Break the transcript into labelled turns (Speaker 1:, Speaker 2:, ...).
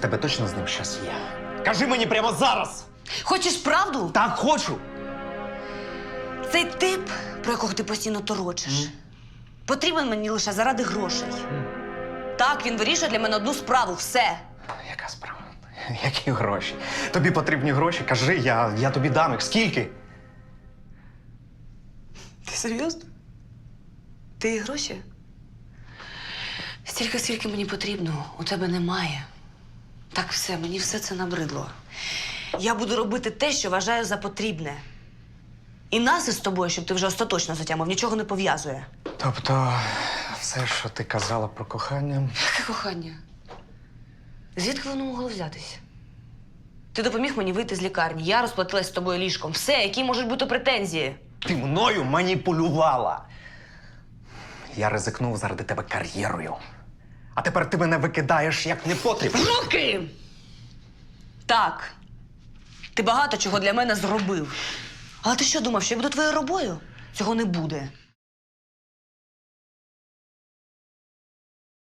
Speaker 1: тебе точно з ним щось є? Кажи мені прямо зараз!
Speaker 2: Хочеш правду?
Speaker 1: Так, хочу!
Speaker 2: Цей тип, про якого ти постійно торочиш, потрібен мені лише заради грошей. Так, він вирішує для мене одну справу, все.
Speaker 1: Яка справа? Які гроші? Тобі потрібні гроші? Кажи, я тобі дам їх. Скільки?
Speaker 2: Ти серйозно? Ти і гроші? Стільки, скільки мені потрібно, у тебе немає. Так все, мені все це набридло. Я буду робити те, що вважаю за потрібне. І нас із тобою, щоб ти вже остаточно затямив, нічого не пов'язує.
Speaker 1: Тобто, все, що ти казала про кохання...
Speaker 2: Яке кохання? Звідки воно могло взятися? Ти допоміг мені вийти з лікарні, я розплатилась з тобою ліжком. Все, які можуть бути претензії?
Speaker 1: Ти мною маніпулювала. Я ризикнув заради тебе кар'єрою. А тепер ти мене викидаєш як непотріб.
Speaker 2: Руки! Так. Ти багато чого для мене зробив. Але ти що думав, що я буду твоєю робою? Цього не буде.